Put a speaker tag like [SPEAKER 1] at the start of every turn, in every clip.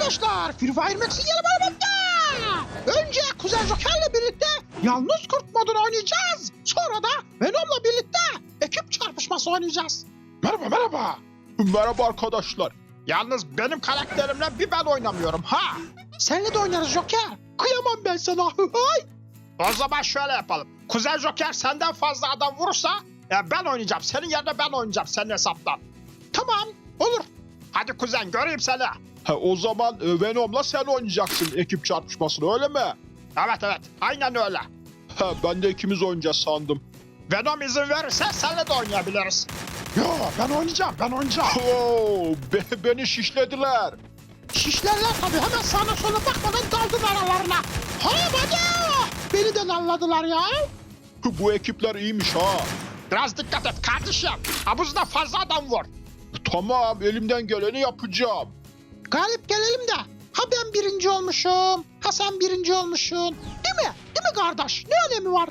[SPEAKER 1] arkadaşlar, Free Fire Max'in yeni bölümünde. Önce Kuzen Joker'le birlikte Yalnız Kurt modunu oynayacağız. Sonra da Venom'la birlikte ekip çarpışması oynayacağız.
[SPEAKER 2] Merhaba. Merhaba arkadaşlar.
[SPEAKER 1] Yalnız benim karakterimle bir ben oynamıyorum ha. Seninle de oynarız Joker. Kıyamam ben sana. O zaman şöyle yapalım. Kuzen Joker senden fazla adam vurursa ben oynayacağım. Senin yerine ben oynayacağım senin hesaptan. Tamam olur. Hadi kuzen göreyim seni.
[SPEAKER 2] O zaman Venom'la sen oynayacaksın ekip çarpışmasını, öyle mi?
[SPEAKER 1] Evet aynen öyle.
[SPEAKER 2] Ben de ikimiz oynayacağız sandım.
[SPEAKER 1] Venom izin verirse seninle de oynayabiliriz. Yo ben oynayacağım.
[SPEAKER 2] Oo, beni şişlediler.
[SPEAKER 1] Şişlerler tabii, hemen sağına sola bakmadan daldın aralarına. Hadi! Beni de nalladılar ya.
[SPEAKER 2] Bu ekipler iyiymiş ha.
[SPEAKER 1] Biraz dikkat et kardeşim. Havuzda fazla adam vur.
[SPEAKER 2] Tamam, elimden geleni yapacağım.
[SPEAKER 1] Galip gelelim de. Ha ben birinci olmuşum. Ha sen birinci olmuşsun. Değil mi? Değil mi kardeş? Ne önemi var?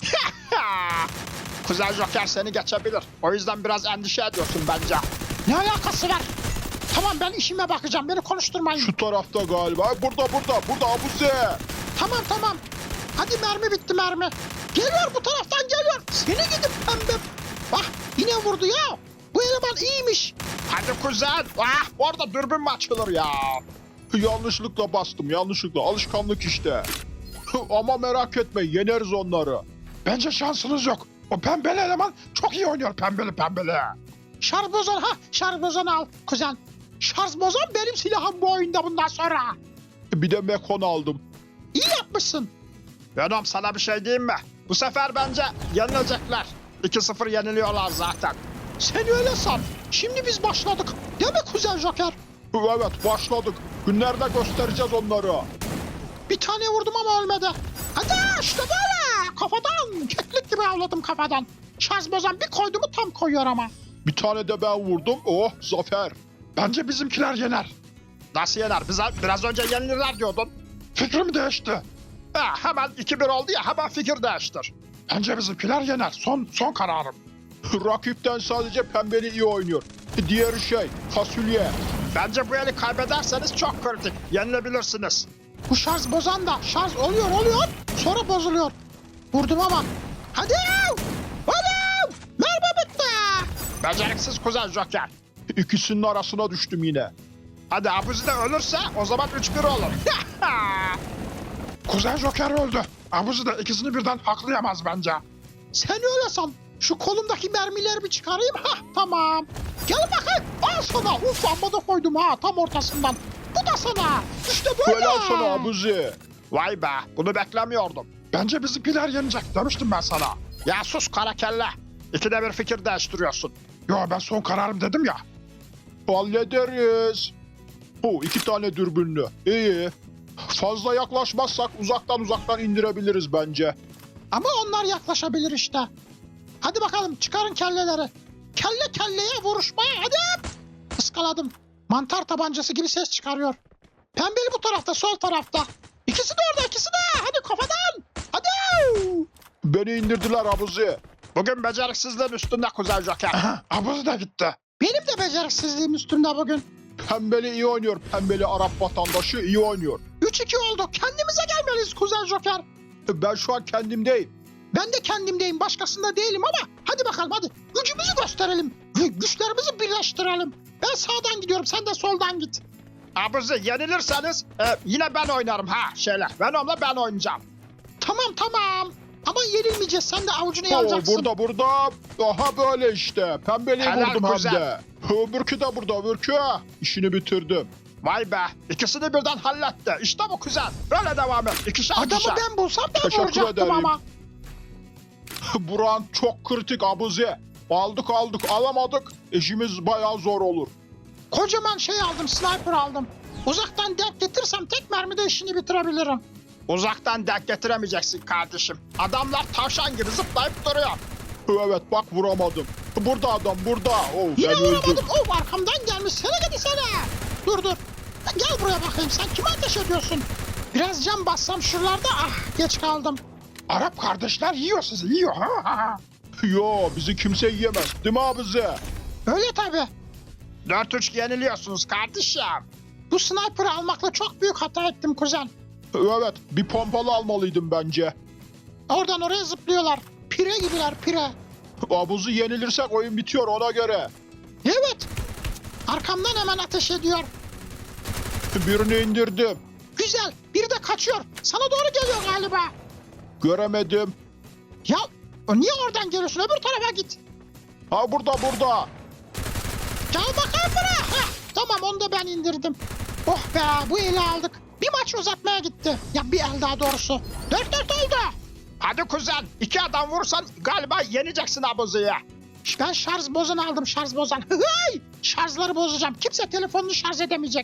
[SPEAKER 1] Kuzen Joker seni geçebilir. O yüzden biraz endişe ediyorsun bence. Ne alakası var? Tamam ben işime bakacağım. Beni konuşturmayın.
[SPEAKER 2] Şu tarafta galiba. Burada Abuzi.
[SPEAKER 1] Tamam. Hadi mermi bitti mermi. Geliyor bu taraftan geliyor. Seni gidip pembe. Bak yine vurdu ya. Bu eleman iyiymiş. Hadi kuzen. Orada dürbün mü açılır ya?
[SPEAKER 2] Yanlışlıkla bastım, yanlışlıkla. Alışkanlık işte. Ama merak etme, yeneriz onları.
[SPEAKER 1] Bence şansınız yok. O pembeli eleman çok iyi oynuyor pembeli. Şarj bozan şarj bozanı al kuzen. Şarj bozan benim silahım bu oyunda bundan sonra.
[SPEAKER 2] Bir de Mekon aldım.
[SPEAKER 1] İyi yapmışsın. Venom sana bir şey diyeyim mi? Bu sefer bence yenilecekler. 2-0 yeniliyorlar zaten. Sen öyle san. Şimdi biz başladık. Değil mi Kuzen Joker?
[SPEAKER 2] Evet, başladık. Günlerde göstereceğiz onları.
[SPEAKER 1] Bir tane vurdum ama ölmedi. Hadi işte böyle. Kafadan. Keklik gibi avladım kafadan. Şarj bozan bir koydu mu tam koyuyor ama.
[SPEAKER 2] Bir tane de ben vurdum. Oh, zafer.
[SPEAKER 1] Bence bizimkiler yener. Nasıl yener? Biraz önce yenilirler diyordun. Fikrim değişti. Hemen 2-1 oldu ya, hemen fikir değiştir. Bence bizimkiler yener. Son kararım.
[SPEAKER 2] Rakipten sadece pembeli iyi oynuyor. Diğeri fasulye.
[SPEAKER 1] Bence bu eli kaybederseniz çok kritik. Yenilebilirsiniz. Bu şarj bozan da şarj oluyor. Sonra bozuluyor. Vurdum ama. Hadi! Merhaba bitti. Beceriksiz Kuzen Joker.
[SPEAKER 2] İkisinin arasına düştüm yine.
[SPEAKER 1] Hadi Abuzi de ölürse o zaman 3-1 olur. Kuzen Joker öldü. Abuzi de ikisini birden haklayamaz bence. Sen öyle san. Şu kolumdaki mermileri bir çıkarayım. Tamam. Gel bakayım. Al sana. Amma da koydum tam ortasından. Bu da sana. İşte böyle.
[SPEAKER 2] Helal sana Abuzi.
[SPEAKER 1] Vay be. Bunu beklemiyordum. Bence bizimkiler yenecek demiştim ben sana. Ya sus kara kelle. İkide bir fikir değiştiriyorsun. Yo ben son kararım dedim ya.
[SPEAKER 2] Hallederiz. 2 tane dürbünlü. İyi. Fazla yaklaşmazsak uzaktan indirebiliriz bence.
[SPEAKER 1] Ama onlar yaklaşabilir işte. Hadi bakalım çıkarın kelleleri. Kelle kelleye vuruşmaya hadi. Iskaladım. Mantar tabancası gibi ses çıkarıyor. Pembeli bu tarafta, sol tarafta. İkisi de orada, ikisi de. Hadi kafadan. Hadi.
[SPEAKER 2] Beni indirdiler Abuzi.
[SPEAKER 1] Bugün beceriksizliğin üstünde Kuzen Joker. Abuzi de gitti. Benim de beceriksizliğim üstünde bugün.
[SPEAKER 2] Pembeli iyi oynuyor. Pembeli Arap vatandaşı iyi oynuyor.
[SPEAKER 1] 3-2 oldu. Kendimize gelmeliyiz Kuzen Joker.
[SPEAKER 2] Ben şu an kendimdeyim.
[SPEAKER 1] Ben de kendimdeyim. Başkasında değilim ama hadi bakalım hadi. Gücümüzü gösterelim. Güçlerimizi birleştirelim. Ben sağdan gidiyorum. Sen de soldan git. Abuzi yenilirseniz yine ben oynarım Venom'la ben oynayacağım. Tamam. Ama yenilmeyeceğiz. Sen de avucunu yalacaksın.
[SPEAKER 2] Burada. Aha böyle işte. Pembeliyi
[SPEAKER 1] Helal
[SPEAKER 2] vurdum hem
[SPEAKER 1] güzel.
[SPEAKER 2] de. Öbürkü de burada öbürkü. İşini bitirdim.
[SPEAKER 1] Vay be. İkisini birden halletti. İşte bu kuzen. Böyle devam et. İkişer. Adamı ben bulsam ben
[SPEAKER 2] Teşekkür
[SPEAKER 1] vuracaktım
[SPEAKER 2] ederim.
[SPEAKER 1] ama.
[SPEAKER 2] Buran çok kritik Abuzi. Aldık alamadık. İşimiz bayağı zor olur.
[SPEAKER 1] Kocaman aldım. Sniper aldım. Uzaktan denk getirsem tek mermide işini bitirebilirim. Uzaktan denk getiremeyeceksin kardeşim. Adamlar tavşan gibi zıplayıp duruyor.
[SPEAKER 2] Evet bak vuramadım. Burada adam burada.
[SPEAKER 1] Yine
[SPEAKER 2] ben öldüm.
[SPEAKER 1] vuramadım. Arkamdan gelmiş. Sene gidi sene. Dur. Gel buraya bakayım. Sen kime ateş ediyorsun? Biraz cam bassam şuralarda. Geç kaldım. Arap kardeşler yiyor sizi. Yiyor.
[SPEAKER 2] Yo bizi kimse yiyemez. Değil mi Abuzi?
[SPEAKER 1] Öyle tabii. 4-3 yeniliyorsunuz kardeşim. Bu sniper'ı almakla çok büyük hata ettim kuzen.
[SPEAKER 2] Evet, bir pompalı almalıydım bence.
[SPEAKER 1] Oradan oraya zıplıyorlar. Pire gibiler pire.
[SPEAKER 2] Abuzu yenilirsek oyun bitiyor ona göre.
[SPEAKER 1] Evet. Arkamdan hemen ateş ediyor.
[SPEAKER 2] Birini indirdim.
[SPEAKER 1] Güzel. Biri de kaçıyor. Sana doğru geliyor galiba.
[SPEAKER 2] Göremedim.
[SPEAKER 1] Ya niye oradan geliyorsun? Öbür tarafa git.
[SPEAKER 2] Ha burada.
[SPEAKER 1] Gel bakayım buraya. Heh, tamam onu da ben indirdim. Oh be bu eli aldık. Bir maç uzatmaya gitti. Ya bir el daha doğrusu. 4-4 oldu.
[SPEAKER 3] Hadi kuzen 2 adam vursan galiba yeneceksin Abuzu'yu.
[SPEAKER 1] Ben şarj bozan aldım şarj bozan. Hıhıy! Şarjları bozacağım. Kimse telefonunu şarj edemeyecek.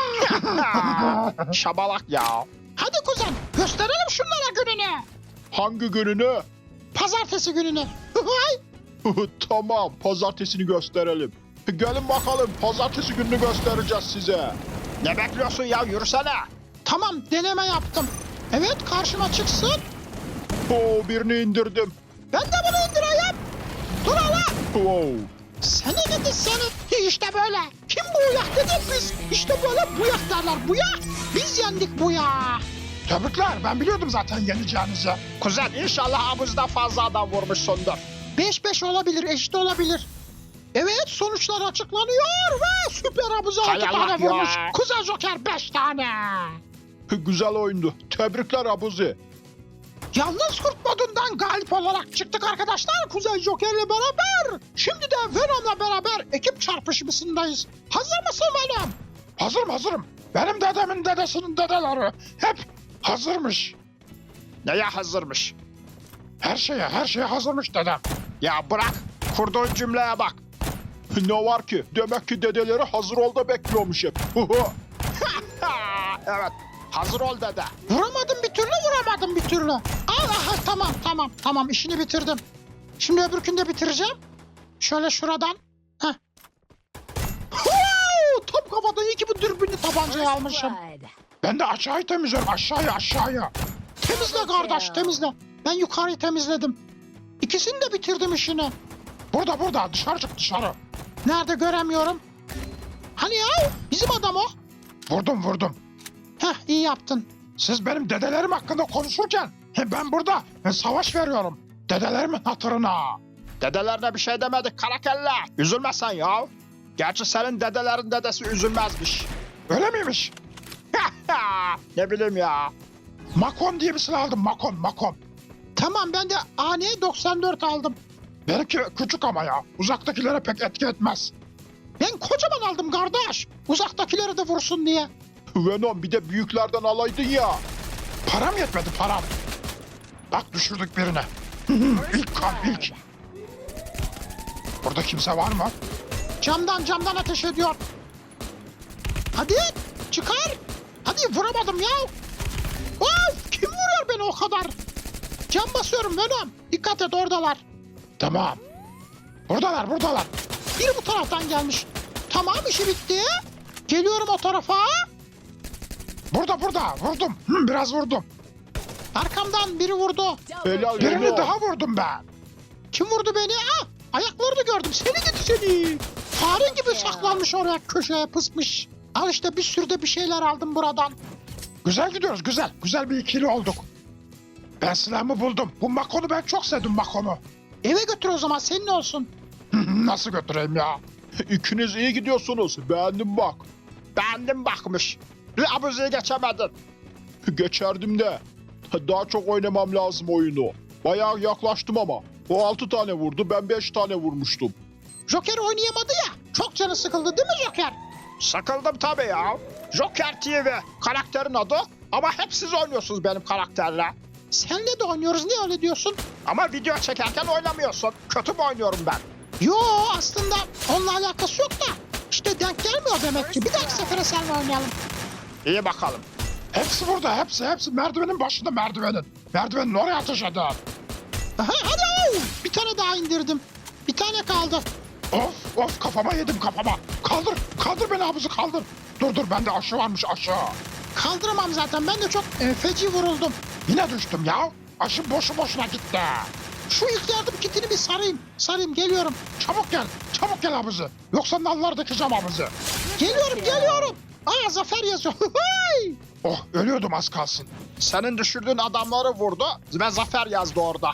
[SPEAKER 3] Şabalak ya.
[SPEAKER 1] Hadi kuzen gösterelim şunlara gününü.
[SPEAKER 2] Hangi gününü?
[SPEAKER 1] Pazartesi gününü. Hıhıy!
[SPEAKER 2] Tamam, pazartesini gösterelim. Gelin bakalım, pazartesi gününü göstereceğiz size.
[SPEAKER 3] Ne bekliyorsun ya yürüsene.
[SPEAKER 1] Tamam deneme yaptım. Evet karşıma çıksın.
[SPEAKER 2] Oo, birini indirdim.
[SPEAKER 1] Ben de bunu indireyim. Dur hala.
[SPEAKER 2] Wow.
[SPEAKER 1] Seni gidi seni. İşte böyle. Kim bu uyak dedik biz. İşte böyle buyak derler. Buyak. Biz yendik buyak.
[SPEAKER 3] Tebrikler ben biliyordum zaten yeneceğinizi. Kuzen inşallah Abuzu'dan fazla adam vurmuşsundur.
[SPEAKER 1] 5-5 olabilir, eşit olabilir. Evet sonuçlar açıklanıyor ve Süper Abuzu 6
[SPEAKER 3] Hay Allah
[SPEAKER 1] tane
[SPEAKER 3] ya.
[SPEAKER 1] vurmuş. Kuzey Joker 5 tane.
[SPEAKER 2] Güzel oyundu. Tebrikler Abuzi.
[SPEAKER 1] Yalnız Kurt modundan galip olarak çıktık arkadaşlar Kuzey Joker'le beraber. Şimdi de Venom'la beraber ekip çarpışmasındayız. Hazır mısın Venom?
[SPEAKER 3] Hazırım. Benim dedemin dedesinin dedeleri hep hazırmış. Neye hazırmış? Her şeye hazırmış dedem. Ya bırak kurduğun cümleye bak.
[SPEAKER 2] Ne var ki? Demek ki dedeleri hazır ol da bekliyormuş hep.
[SPEAKER 3] Evet hazır ol dede.
[SPEAKER 1] Vuramadım bir türlü. Aha tamam işini bitirdim. Şimdi öbürkünü de bitireceğim. Şöyle şuradan. Heh. Top kafadan iyi ki bu dürbünlü tabancayı almışım.
[SPEAKER 3] Ben de aşağıyı temizliyorum aşağıya.
[SPEAKER 1] Temizle kardeş temizle. Ben yukarıyı temizledim. İkisini de bitirdim işini.
[SPEAKER 3] Burada dışarı çık dışarı.
[SPEAKER 1] Nerede göremiyorum. Hani ya bizim adam o.
[SPEAKER 3] Vurdum.
[SPEAKER 1] Heh iyi yaptın.
[SPEAKER 3] Siz benim dedelerim hakkında konuşurken ben burada savaş veriyorum. Dedelerimin hatırına. Dedelerine bir şey demedik karakelle. Üzülme sen ya. Gerçi senin dedelerin dedesi üzülmezmiş. Öyle miymiş? Ne bileyim ya. Makon diye bir silah aldım Makon.
[SPEAKER 1] Tamam ben de AN-94 aldım.
[SPEAKER 3] Benimki küçük ama ya. Uzaktakilere pek etki etmez.
[SPEAKER 1] Ben kocaman aldım kardeş. Uzaktakileri de vursun diye.
[SPEAKER 2] Venom bir de büyüklerden alaydın ya.
[SPEAKER 3] Param yetmedi param. Bak düşürdük birine. İlk. Burada kimse var mı?
[SPEAKER 1] Camdan ateş ediyor. Hadi çıkar. Hadi vuramadım ya. Of kim vuruyor beni o kadar? Cam basıyorum Venom. Dikkat et oradalar.
[SPEAKER 3] Tamam. Buradalar.
[SPEAKER 1] Biri bu taraftan gelmiş. Tamam işi bitti. Geliyorum o tarafa.
[SPEAKER 3] Burada. Vurdum. Biraz vurdum.
[SPEAKER 1] Arkamdan biri vurdu.
[SPEAKER 2] Helal
[SPEAKER 3] Birini
[SPEAKER 2] Venom.
[SPEAKER 3] daha vurdum ben.
[SPEAKER 1] Kim vurdu beni? Ayaklarını gördüm. Seni gidi seni. Fare gibi saklanmış oraya köşeye pısmış. Al işte bir sürü de bir şeyler aldım buradan.
[SPEAKER 3] Güzel gidiyoruz güzel. Güzel bir ikili olduk. Ben silahımı buldum. Bu Makon'u ben çok sevdim Makon'u.
[SPEAKER 1] Eve götür o zaman senin olsun.
[SPEAKER 3] Nasıl götüreyim ya?
[SPEAKER 2] İkiniz iyi gidiyorsunuz. Beğendim bak.
[SPEAKER 3] Beğendim bakmış. Bir Abuzu'yu geçemedin.
[SPEAKER 2] Geçerdim de. Daha çok oynamam lazım oyunu. Bayağı yaklaştım ama. O 6 tane vurdu, ben 5 tane vurmuştum.
[SPEAKER 1] Joker oynayamadı ya. Çok canı sıkıldı değil mi Joker?
[SPEAKER 3] Sıkıldım tabii ya. Joker TV karakterin adı ama hep siz oynuyorsunuz benim karakterle.
[SPEAKER 1] Senle de oynuyoruz niye öyle diyorsun?
[SPEAKER 3] Ama video çekerken oynamıyorsun. Kötü mü oynuyorum ben?
[SPEAKER 1] Yo aslında onunla alakası yok da. İşte denk gelmiyor demek ki. Bir dahaki sefere seninle oynayalım.
[SPEAKER 3] İyi bakalım. Hepsi burada hepsi merdivenin başında Merdivenin oraya ateş edin.
[SPEAKER 1] Aha, hadi. Bir tane daha indirdim. Bir tane kaldı.
[SPEAKER 3] Of kafama yedim. Kaldır beni Abuzu kaldır. Dur bende aşı varmış aşı.
[SPEAKER 1] Kaldıramam zaten. Ben de çok feci vuruldum.
[SPEAKER 3] Yine düştüm ya. Aşı boşuna gitti.
[SPEAKER 1] Şu ilk yardım kitini bir sarayım. Sarayım geliyorum.
[SPEAKER 3] Çabuk gel Abuzu. Yoksa nallar dökeceğim Abuzu.
[SPEAKER 1] Geliyorum. Aa zafer yazıyor. Hıhıy!
[SPEAKER 3] Oh ölüyordum az kalsın.
[SPEAKER 2] Senin düşürdüğün adamları vurdu ve zafer yazdı orada.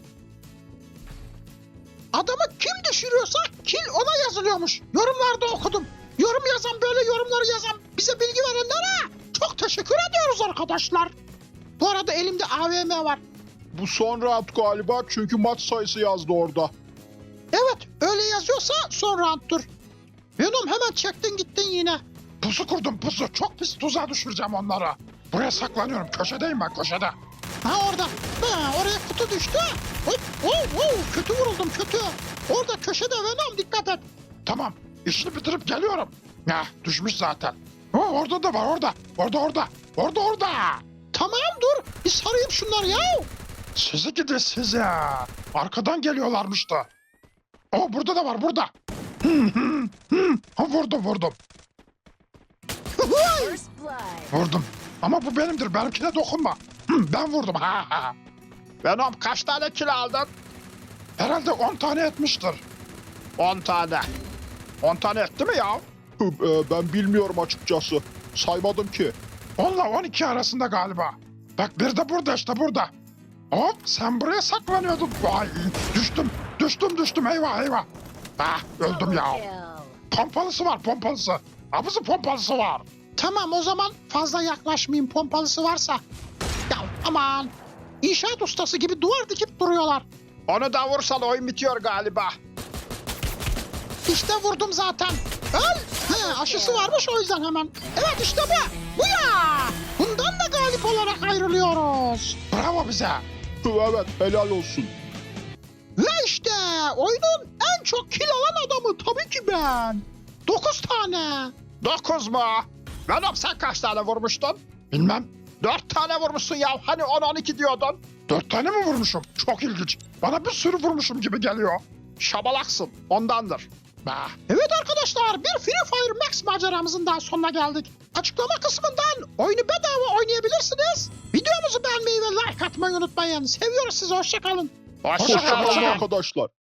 [SPEAKER 1] Adamı kim düşürüyorsa kill ona yazılıyormuş. Yorumlarda okudum. Yorum yazan böyle yorumları yazan bize bilgi verenlere çok teşekkür ediyoruz arkadaşlar. Bu arada elimde AVM var.
[SPEAKER 2] Bu son round galiba çünkü maç sayısı yazdı orada.
[SPEAKER 1] Evet öyle yazıyorsa son round'tur. Venom hemen çektin gittin yine.
[SPEAKER 3] Pusu kurdum pusu. Çok pis tuzağa düşüreceğim onları. Buraya saklanıyorum. Köşedeyim ben köşede.
[SPEAKER 1] Ha orada. Ha, oraya kutu düştü. Hop, kötü vuruldum kötü. Orada köşede Venom dikkat et.
[SPEAKER 3] Tamam. İşini bitirip geliyorum. Heh düşmüş zaten. Oh, orada da var orada. Orada.
[SPEAKER 1] Tamam dur bir sarayım şunları ya.
[SPEAKER 3] Sizi gidi size. Arkadan geliyorlarmış da. Oh burada da var burada. Ha, vurdum.
[SPEAKER 4] First blood.
[SPEAKER 3] Vurdum. Ama bu benimdir. Benimkine dokunma. Ben vurdum. Ha.
[SPEAKER 2] Venom kaç tane kill aldın?
[SPEAKER 3] Herhalde 10 tane etmiştir.
[SPEAKER 2] 10 tane. 10 tane etti mi ya? Ben bilmiyorum açıkçası. Saymadım ki.
[SPEAKER 3] 10 ile 12 arasında galiba. Bak bir de burada işte burada. Hop sen buraya saklanıyordun. Vay düştüm eyvah. Ah öldüm ya.
[SPEAKER 4] Kill.
[SPEAKER 3] Pompalısı var pompalısı. Abuzu pompalısı var.
[SPEAKER 1] Tamam o zaman fazla yaklaşmayayım pompalısı varsa. Ya aman. İnşaat ustası gibi duvar dikip duruyorlar.
[SPEAKER 2] Onu da vursan oyun bitiyor galiba.
[SPEAKER 1] İşte vurdum zaten. Öl. He, aşısı varmış o yüzden hemen. Evet işte bu. Bu ya. Bundan da galip olarak ayrılıyoruz.
[SPEAKER 3] Bravo bize.
[SPEAKER 2] Evet helal olsun.
[SPEAKER 1] Ve işte oyunun en çok kill alan adamı tabii ki ben. 9 tane.
[SPEAKER 2] 9 mu? Venom sen kaç tane vurmuştun?
[SPEAKER 3] Bilmem.
[SPEAKER 2] 4 tane vurmuşsun ya. Hani 10-12 diyordun.
[SPEAKER 3] 4 tane mi vurmuşum? Çok ilginç. Bana bir sürü vurmuşum gibi geliyor.
[SPEAKER 2] Şabalaksın. Ondandır.
[SPEAKER 3] Bah.
[SPEAKER 1] Evet arkadaşlar bir Free Fire Max maceramızın daha sonuna geldik. Açıklama kısmından oyunu bedava oynayabilirsiniz. Videomuzu beğenmeyi ve like atmayı unutmayın. Seviyoruz sizi hoşçakalın.
[SPEAKER 2] Hoşçakalın
[SPEAKER 3] Hoşça kalın.
[SPEAKER 2] arkadaşlar.